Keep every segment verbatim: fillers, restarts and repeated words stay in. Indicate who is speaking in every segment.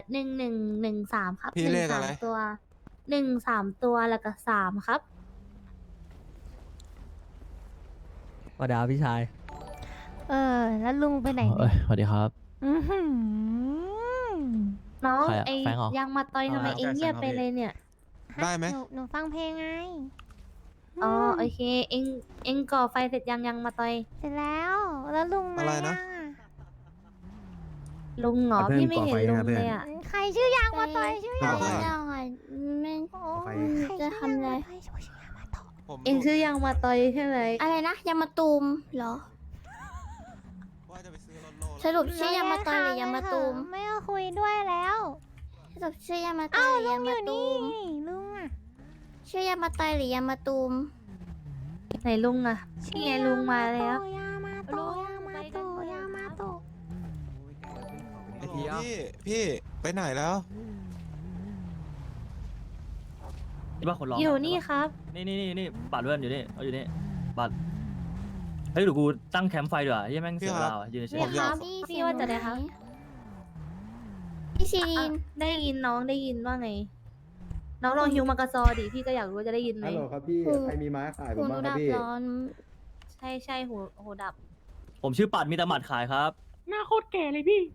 Speaker 1: หนึ่งหนึ่งหนึ่งสามครับ
Speaker 2: พี่
Speaker 1: หนึ่
Speaker 2: เล
Speaker 1: ง
Speaker 2: ข
Speaker 1: สา
Speaker 2: อะไร
Speaker 1: มตัวหนึ่งสามตัวแล้วก็สามครับ
Speaker 3: สวัสดีครับพี่ชาย
Speaker 4: เออ แล้วลุงไปไหน
Speaker 5: เอ้
Speaker 4: เนี่ย
Speaker 5: ยสวัสดีครับ
Speaker 4: อื้อหือ
Speaker 1: น้อง
Speaker 5: ใครอะ
Speaker 1: ไอ
Speaker 5: แฟรงค์เหรอ
Speaker 1: ยังมาต่อยทำไม
Speaker 5: เอาละ
Speaker 1: เองเงียบไปเลยเนี่ย
Speaker 2: ได้ไหม
Speaker 4: หนูหนูฟังเพลงไง
Speaker 1: อ๋อ
Speaker 4: ม
Speaker 1: โอเค เองเองก่อไฟเสร็จยังยังมาต่อย
Speaker 4: เสร็จแล้ว แล้วลุงมา
Speaker 2: อะไร
Speaker 4: ยั
Speaker 2: นะ
Speaker 4: งอะ
Speaker 1: ลุงเหรอ
Speaker 6: เพื่อน
Speaker 1: พี่ไม่เห็น
Speaker 6: ก่อไฟ
Speaker 1: ลุง
Speaker 6: นะเพื่อน
Speaker 1: เลยอ่ะ
Speaker 4: ใครชื่อยางมาต่อยชื่อ
Speaker 2: เพื่
Speaker 4: ยา
Speaker 2: อง น
Speaker 4: มา
Speaker 2: ก่อน
Speaker 4: ต่อย
Speaker 7: ไม่
Speaker 4: โอ้
Speaker 6: ไป
Speaker 4: ใคร
Speaker 7: จะทำอะไร
Speaker 4: ชื่อยางมาต่อยชื่อยางมาต่อย
Speaker 2: ผม
Speaker 1: เองชื่อยังมาต่อยใช่ไหม
Speaker 7: อะไรนะยามาตูมเหรอ
Speaker 2: ว่าจะไปซื้อรถโล
Speaker 7: สรุปชื่อยามาตอยหรือยามาตูม
Speaker 4: ไม่เอาคุยด้วยแล้ว
Speaker 7: สรุปชื่อยามาตอ
Speaker 4: เอ้าย
Speaker 7: หรื
Speaker 4: ลุ
Speaker 7: อง ยา
Speaker 4: อ
Speaker 7: มา
Speaker 4: ยู่
Speaker 7: ตู
Speaker 4: นี่
Speaker 7: ม
Speaker 4: ลุงอะ
Speaker 7: ชื่อยามาตอยหรือยามาตูม
Speaker 1: ไหนลุงอ่ะนี่ไงลุงมาแล้ว
Speaker 4: ยามาโตยามาโตยามาโต
Speaker 2: ไอพี่พี่พี่ไปไหนแล้ว
Speaker 5: นี่ว่าคนร้อง
Speaker 1: อยู่นี่ครับ
Speaker 5: นี่นี่นี่นี่บัตรเพื่อนอยู่นี่เอาอยู่นี่บัตรเฮ้ยเดี๋ยวกูตั้งแคมป์ไฟดีกว่าเฮ้ยแม่งเสียเวลาว่ะยืนเฉ
Speaker 1: พี่
Speaker 5: ย
Speaker 1: ครับ
Speaker 7: พี่
Speaker 1: พี่ว่าจะได้ครับ
Speaker 7: พี่ซีรีน
Speaker 1: ได้ยินน้องได้ยินว่าไง น้องลองฮิวมากระซอดิพี่ก็อยากรู้ว่าจะได้ยินไหม
Speaker 6: ฮัลโหลครับพี่ ใครมีไม้ขายผ
Speaker 7: คุ
Speaker 6: ม
Speaker 7: ณ
Speaker 6: บ้าง
Speaker 7: ดู
Speaker 6: ครั
Speaker 7: ดั
Speaker 6: บบ พี่
Speaker 7: ร้อน
Speaker 1: ใช่ใช่หูหูดับ
Speaker 5: ๆผมชื่อปัดมีแต่หมัดขายครับ
Speaker 8: หน้าโคตรแก่เลยพี่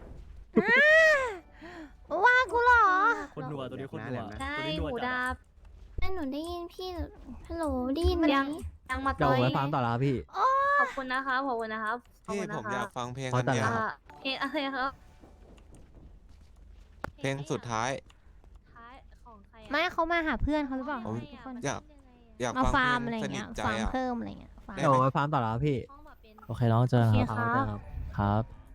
Speaker 4: ว่ากูเหรอ
Speaker 5: คนนัวตัวนี้คนนัว
Speaker 1: ใช่
Speaker 5: ตัวนี้นัว
Speaker 1: หู
Speaker 5: จัด
Speaker 1: ดั
Speaker 5: อะ
Speaker 1: บ
Speaker 7: แม่หนูได้ยินพี่ฮัลโหลได้ยินไหม
Speaker 1: ยังยังมา
Speaker 3: เดี๋ยว
Speaker 1: ต่
Speaker 3: ผ
Speaker 1: อย
Speaker 3: มไปฟาร์มต่อแล้วครับพี่
Speaker 1: ขอบคุณนะครับขอบคุณนะครับขอบ
Speaker 2: พี่
Speaker 1: คุณ
Speaker 2: ผ
Speaker 1: นะ
Speaker 2: ม
Speaker 1: ค
Speaker 2: อยา
Speaker 1: รั
Speaker 2: ก
Speaker 1: บ
Speaker 2: ฟังเพลง
Speaker 3: ขอ
Speaker 2: อัน
Speaker 3: ตัด
Speaker 2: เนี้ย
Speaker 3: แล้ว
Speaker 1: อ่าเพลงอะไรครับ
Speaker 2: เพลงสุดท้าย
Speaker 1: ท้ายของใครอะ
Speaker 4: ไม่เขามาหาเพื่อนเขาหรือเปล่า
Speaker 2: ผม
Speaker 4: ทุกคน
Speaker 2: อยาก อยาก
Speaker 4: มา
Speaker 2: ฟัง
Speaker 4: ฟาร์ม
Speaker 2: เพ
Speaker 4: อะไร
Speaker 2: ลงสนิ
Speaker 4: เงี้
Speaker 2: ท
Speaker 4: ย
Speaker 2: ใจ
Speaker 4: ฟาร์ม
Speaker 2: อ่ะ
Speaker 4: เพิ่มอะไรเงี้ยฟาร์ม
Speaker 2: ได้
Speaker 3: เดี๋ยว
Speaker 2: ไหม
Speaker 3: ผมไปฟาร์มต่อแล้วครับพี่
Speaker 1: ห้องมาเป็น
Speaker 5: โอเคน้องเจอกัน
Speaker 1: โอเค
Speaker 5: ครับ
Speaker 1: ครับ
Speaker 5: เจอกันครับครับ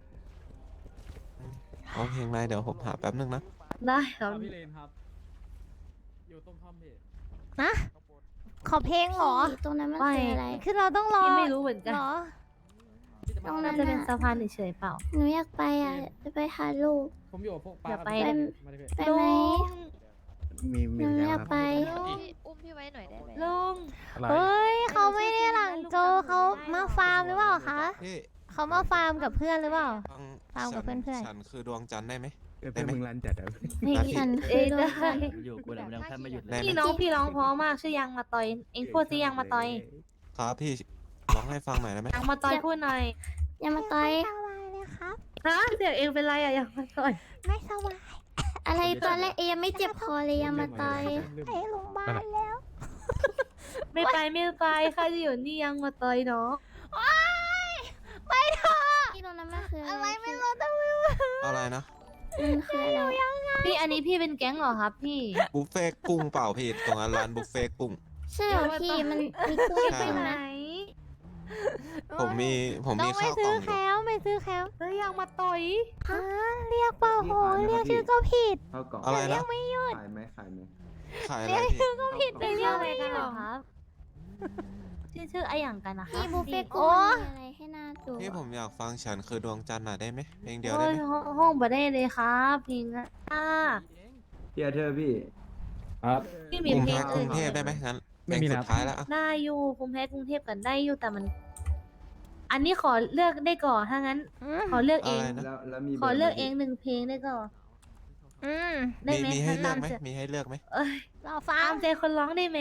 Speaker 2: เอาเพลงอะไรเดี๋ยวผมหาแป๊บนึงนะ
Speaker 1: ได้ครับ
Speaker 8: พี่เลนครับ อยู่ตรงคอมเพจ
Speaker 4: นะ ขอเพลงเหรอ
Speaker 7: พี่ตรงนั้นมัน
Speaker 1: ไม่
Speaker 7: คืออะไร
Speaker 4: คือเราต้องรอ
Speaker 1: พี่ไม่รู้เหมือนกัน
Speaker 4: เหรอ
Speaker 7: ตรง
Speaker 1: น่า
Speaker 7: นั้น
Speaker 1: จะเป็น
Speaker 7: น่ะ
Speaker 1: สะพานเฉยๆเปล่า
Speaker 7: หนูอยากไปอ่ะจะไปหาลูก
Speaker 8: ผมอยู่กับพวกป้า
Speaker 1: อย่าไป
Speaker 8: กับ
Speaker 7: เลย
Speaker 8: มาดิพี่
Speaker 7: ไปไหม
Speaker 6: มีมี
Speaker 7: หนู
Speaker 6: แล้ว
Speaker 7: อยาก
Speaker 6: ครับ
Speaker 7: ไป
Speaker 1: อุ้มพี่ไว้หน่อยได้ไหมลุง
Speaker 6: อะไร
Speaker 4: เฮ้ยเขาไม่ได้หลังโจเขามาฟาร์มหรือเปล่าคะ
Speaker 2: พี่
Speaker 4: เขามาฟาร์มกับเพื่อนหรือเปล่า
Speaker 2: ฟัง
Speaker 4: ฟาร์มกับเพื่อนๆ
Speaker 2: ฉันคือดวงจันทร์ได้ไหม
Speaker 6: เอ้ยเพื่อนมึงรันจัดอะ
Speaker 1: ไม่
Speaker 7: ฉันคื
Speaker 1: เอ้
Speaker 7: อย ดว
Speaker 1: ได้
Speaker 7: งจันทร์
Speaker 5: อยู่กูแหละมันยังแทบไม่หยุดเล
Speaker 2: ได้
Speaker 5: ย
Speaker 2: ไหม
Speaker 1: พี่น้องพี่ร้องเพราะมากชื่อยังมาต่อย เองพูดสิยังมาต่อย
Speaker 2: ครับพี่ร้องให้ฟังหน่อยได้ไหม
Speaker 1: ยังมาต่อยพูดหน่อย
Speaker 7: ยามาตอย
Speaker 4: สบายเลยครับ
Speaker 1: ฮะเสียงเองเป็นไรอะยังมาต่อย
Speaker 4: ไม่สบาย
Speaker 7: อะไรตอนแรกเอยังไม่เจ็บคอเลยยามาตอย
Speaker 4: ไปโรงพยาบาลแล้ว
Speaker 1: ไม่ไปไม่ไปใครจะอยู่นี่ยังมาต่อยเนาะ
Speaker 4: ไปเถอะ
Speaker 7: พี่ตรงนั้นมันคือ
Speaker 4: อะ
Speaker 7: อะไร ไร
Speaker 4: ไม่
Speaker 7: พี่
Speaker 4: รู้แต่ไม่รู้
Speaker 2: อะไรนะ
Speaker 7: มันคืออะไร
Speaker 1: พี่อันนี้พี่เป็นแก๊งเหรอครับพี่
Speaker 2: บุฟเฟ่ต์กุ้งเปล่าพี่ตรงนั้นร้านบุฟเฟ่ต์กุ้ง
Speaker 7: ใช่เหรอพี่มันมีกุ้ง
Speaker 2: ใช่
Speaker 7: ด้วย
Speaker 1: ไหน
Speaker 7: นะ
Speaker 2: ผมมีผม
Speaker 4: ต้อ
Speaker 2: มี
Speaker 4: งไป
Speaker 2: ข้าวก
Speaker 4: ซื้
Speaker 2: ล่
Speaker 4: อ
Speaker 2: องอ
Speaker 4: แค
Speaker 2: ยู่
Speaker 4: ลไปซื้อแคล
Speaker 1: เฮ้ยยังมาต่อย
Speaker 4: ฮะเรียกเปล่าโหเรียกชื่อก็ผิด
Speaker 6: เข้ากล่อง
Speaker 2: อะไร
Speaker 4: เรีย
Speaker 2: นะ
Speaker 4: กไม่หยุด
Speaker 6: ขายไหมขายไหม
Speaker 2: ขายอะไร
Speaker 4: เรียก
Speaker 2: พี่
Speaker 4: ชื่อก็ผิดไป
Speaker 1: เป็น
Speaker 4: เรี
Speaker 1: เรื่
Speaker 4: ย
Speaker 1: อก งอะไร
Speaker 4: ไม่
Speaker 1: กัน
Speaker 4: ห
Speaker 1: เหร
Speaker 4: ยุ
Speaker 1: อ
Speaker 4: ด
Speaker 1: ครับ ชื่อชื่อไออย่างกันนะคะ
Speaker 7: พี่บุฟเฟ่ต์
Speaker 4: โอ้
Speaker 7: กุ้งมีอะไรให้น่าดู
Speaker 2: พี่ผมอยากฟังฉันคือดวงจันทร์น่ะได้ไหมเพลงเดียว
Speaker 1: โอ้
Speaker 2: ได้
Speaker 1: ย
Speaker 2: ไหม
Speaker 1: ห้องห้องบ่ได้เลยครับเพลงอะอ่า
Speaker 6: เฮียเธอพี่ ครับ
Speaker 1: พี่
Speaker 2: ก
Speaker 1: มี
Speaker 2: รุง
Speaker 1: เพ
Speaker 2: เท
Speaker 1: ลง
Speaker 2: พกรุ
Speaker 1: อื่
Speaker 2: ง
Speaker 1: น
Speaker 2: เทพได้ไหมงั้นเพ
Speaker 6: ไม่
Speaker 2: ลง
Speaker 6: มี
Speaker 2: สุ
Speaker 6: แล้
Speaker 2: ด
Speaker 6: ว
Speaker 2: ท้ายแล้วอะ
Speaker 1: ได้อยู่ภูมิแพ้กรุงเทพกันได้อยู่แต่มัน อันนี้ขอเลือกได้ก่อนถ้างั้น
Speaker 4: อืม
Speaker 1: ขอเลือกเอ
Speaker 2: อะ
Speaker 1: ง
Speaker 2: ไรนะ
Speaker 6: แล้วแล้วมี
Speaker 1: ขอเลือกเองหนึ่งเพลงได้ก่อน
Speaker 4: อืม
Speaker 1: ได้
Speaker 2: มี
Speaker 1: ไหม
Speaker 2: มีให้เลือกไหม
Speaker 1: ตามใจ
Speaker 2: มีให้เลือกไหม
Speaker 1: เอ้ย
Speaker 4: เราฟั
Speaker 1: ตาง มใจคนร้องได้ไหม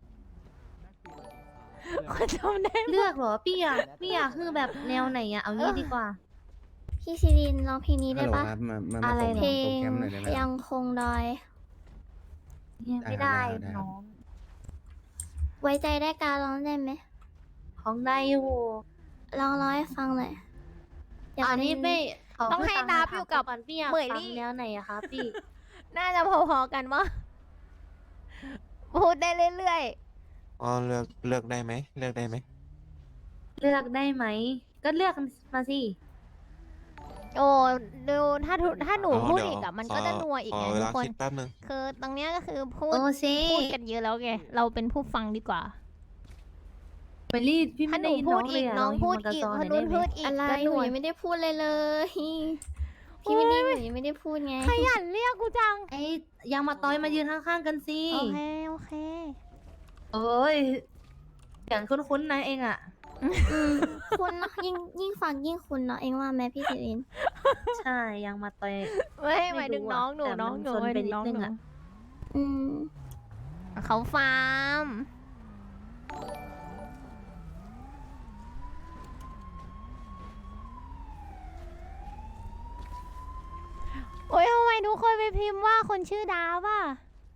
Speaker 4: คนจำได้
Speaker 1: เลือกเหรอพี่อยากพี่อยากคือแบบแนวไหนอะเอางี้ดีกว่า
Speaker 7: พี่ซีรินร้องเพลงนี้
Speaker 6: ฮั
Speaker 7: ได้
Speaker 6: ลโหล
Speaker 7: ปะ
Speaker 6: ครับมามา
Speaker 1: อะไร
Speaker 6: มา
Speaker 1: เหรอ
Speaker 7: เพล
Speaker 6: ส่ง
Speaker 7: ง
Speaker 6: โปรแกรมหน่อยได้ไหม
Speaker 7: ยังคงดอย
Speaker 1: เนี่ยไม่
Speaker 6: ได้
Speaker 1: ได้
Speaker 6: ครับได้ครับ
Speaker 1: น้อง
Speaker 7: ไว้ใจได้การร้องได้ไหม
Speaker 1: ของได้อยู่
Speaker 7: ลองร้องให้ฟังหน่อยอยาก
Speaker 1: อันนี้
Speaker 7: เล่
Speaker 1: ไม่ข
Speaker 4: ต้องให้นับอยู่กับ
Speaker 1: ก่อนพี่อยาก
Speaker 4: เหมย
Speaker 1: ฟั
Speaker 4: ลี่
Speaker 1: งแนวไหนอะคะพี่
Speaker 4: น่าจะพอๆกันวะพูดได้เรื่อย
Speaker 2: อ๋อเลือกเลือกได้ไหมเลือกได้ไหม
Speaker 1: เลือกได้ไหม ก็เลือกมาสิ
Speaker 4: ๆ โอ้ดูถ้าทุถ้าหนู
Speaker 2: อ๋อ
Speaker 4: พูด
Speaker 2: เดี๋ยว
Speaker 4: อีกอะมัน
Speaker 2: ข
Speaker 4: ก็จะนัวอีก
Speaker 2: ข
Speaker 4: ไง
Speaker 2: อเว
Speaker 4: ทุ
Speaker 2: ลาก
Speaker 4: คน
Speaker 2: คิดแป๊บนึง
Speaker 4: คือตรงเนี้ยก็คือพูด
Speaker 1: โอ้สิ
Speaker 4: พูดกันเยอะแล้วไงเราเป็นผู้ฟังดีกว่า
Speaker 1: เมลี่พี่
Speaker 4: ถ้า
Speaker 1: ไม่
Speaker 4: หนู
Speaker 1: ได้ยิน
Speaker 4: พู
Speaker 1: น้
Speaker 4: ด
Speaker 1: องเลยอะ
Speaker 4: อีกน้องพูด
Speaker 1: ล
Speaker 4: อีก
Speaker 1: ฮิว
Speaker 4: ค
Speaker 1: มาน กระซ
Speaker 4: นู้น
Speaker 1: ห
Speaker 4: พู
Speaker 1: อย
Speaker 4: ดอีก
Speaker 7: อะไร
Speaker 4: ก็
Speaker 7: หนู
Speaker 4: นัว
Speaker 7: ยังไม่ได้พูดเลยเลย พี่ไม่ได้หนูยังไม่ได้พูดไง
Speaker 4: ขยันเรียกกูจัง
Speaker 1: ไอ้ยังมาต้อยมายืนข้างๆกันสิ
Speaker 4: โอเคโอเค
Speaker 1: โอ้ยเสียงคุ้นๆนะเองอะ
Speaker 4: อ
Speaker 7: อืมคุณเนอะยิ่งยิ่งฟังยิ่งคุณเนาะเองว่าไหมพี่สิริน
Speaker 1: ใช่ยังมาต่อย
Speaker 4: ไม่หมายถึง
Speaker 1: ไม่รู้อะ
Speaker 4: น้องหนู
Speaker 1: แต่มัน
Speaker 4: น้องหนู
Speaker 1: ซน
Speaker 4: หมาย
Speaker 1: ไป
Speaker 4: ถึงน้อง
Speaker 1: นิดนึ
Speaker 4: ห
Speaker 1: ง
Speaker 4: นู
Speaker 1: อะ
Speaker 7: อืม
Speaker 4: เขาฟาร์มโอ้ยทำไมทุกคนไปพิมพ์ว่าคนชื่อดาวอ่ะ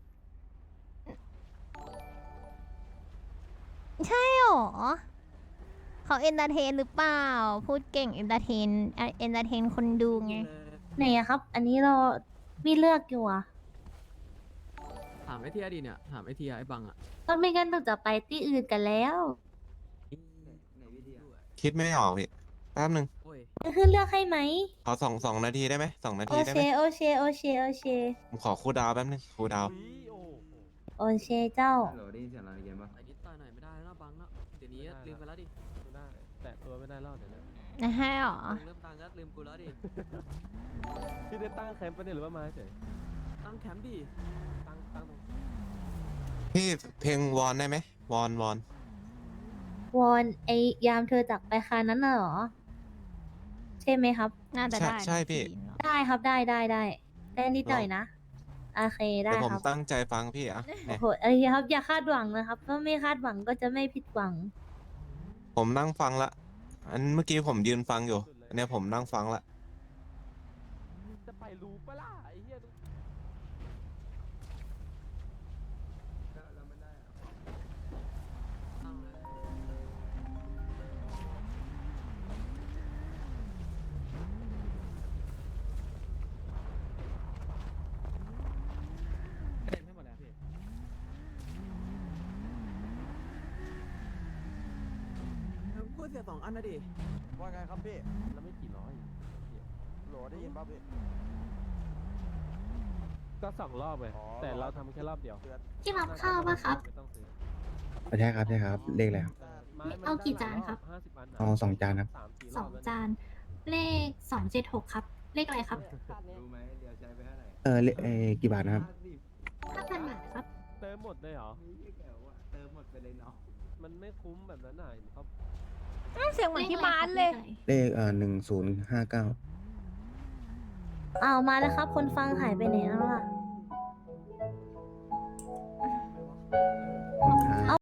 Speaker 4: ใช่หรอเขาเอนเตอร์เทนหรือเปล่า พูดเก่งเอนเตอร์เทนเอนเตอร์เทนคนดูไง
Speaker 1: ไหนอะครับ อันนี้เรามีเลือกอยู่อะ
Speaker 3: ถามไอเทียดีเนี่ย ถามไอเทียไอบังอ่ะ
Speaker 1: ก็ไม่งั้นเราจะไปที่อื่นกันแล้ว
Speaker 2: คิดไม่ออกพี่แป๊บหนึ่ง
Speaker 3: โอ้ย
Speaker 1: จะขึ้นเลือกให้ไหม
Speaker 2: ขอสองสองนาทีได้ไหมสองนา
Speaker 1: โอ
Speaker 2: ทีได้
Speaker 1: เค
Speaker 2: ไหม
Speaker 1: โอเคโอเคโอเค
Speaker 2: ผมขอคูลดาวน์แป๊บหนึงคูลดาวน์
Speaker 1: โอเคเจ้า
Speaker 6: ฮัลโหลได้ยินเสียงเราในเกมปะ
Speaker 3: ไอนิดตายหน่อยไม่ได้แล้วบังแล้วเดี๋ยวนี้ลืมไปแล้วดิ
Speaker 8: ไม่ได้ แตะตัวไม่ได้แล้วเดี๋ยวนะ
Speaker 4: นะฮะหรอ
Speaker 3: เริ่มตังค์แล้วลืมกูแล้วดิ
Speaker 8: พี่ได้ตั้งแคมป์ปะเนี่ยหรือว่ามาเฉย
Speaker 3: ตั้งแคมป์ดิ
Speaker 8: ตั้งตั้งตรง
Speaker 2: พี่เพลงวอนได้ไหมวอนวอน
Speaker 1: วอนไอยามเธอจากไปคานั้นน่ะเหรอ ใช่ไหมครับ
Speaker 4: น่าจะ
Speaker 2: ใช่
Speaker 4: ได้
Speaker 2: ใช่พี่
Speaker 1: ได้ครับได้ได้ได้ได้นิดหน่อยนะ โอเคได้
Speaker 2: เดี๋ยวผม
Speaker 1: ครับ
Speaker 2: ตั้งใจฟังพี่อ่ะ
Speaker 1: โอ้
Speaker 2: เนี่ย
Speaker 1: โหเอ้ยครับอย่าคาดหวังนะครับถ้าไม่คาดหวังก็จะไม่ผิดหวัง
Speaker 2: ผมนั่งฟังละ อันเมื่อกี้ผมยืนฟังอยู่ อันเนี้ยผมนั่งฟังละ
Speaker 8: จะไปรู้ปะล่ะไอ้เหี้ย เต็มให้หมดแล้วพี่
Speaker 3: พูดเสียสองอันนะดิ
Speaker 9: ว่าไงครับพี่
Speaker 8: แล้วไม่กี่ร้อย
Speaker 9: โหลได้ยินป่ะพี่
Speaker 8: ก็สองรอบไง
Speaker 9: อ๋อ
Speaker 8: แต่เราทำแค่รอบเดียว
Speaker 7: ที่รับข้าวป่ะครับ
Speaker 8: ไม่ต้องซื้อ
Speaker 6: ใช่ครับใช่ครับ เลขอะไรครับ
Speaker 8: ไม้มัน
Speaker 7: เอากี่
Speaker 8: ได้หลย
Speaker 7: จานครับ
Speaker 8: ห้าสิบอัน
Speaker 6: เอาสองจานครับ
Speaker 8: สามสี่ร
Speaker 7: ส
Speaker 8: อ
Speaker 7: อบ ง
Speaker 8: แล้ว
Speaker 7: จาน เลขสองเจ็ดหกครับ เลขอะไรครับ
Speaker 6: รู้ไหมเดี๋ยวใช้ไปเท่าไหร่ เออเลเออกี่บาทนะครับ
Speaker 7: ห้าพันบาทครับ
Speaker 8: เติมหมดเลยเหรอ
Speaker 6: เติมหมดไปเลยเนาะ
Speaker 8: มันไม่คุ้มแบบนั้นน่ะเขา
Speaker 4: อ้าวเสียงเหมือนที่บ้านเลย
Speaker 6: เลขเอ่อหนึ่งศูนย์ห้าเก้า
Speaker 1: เอามาแล้วครับ คนฟังหายไปไหนแล้วล่ะ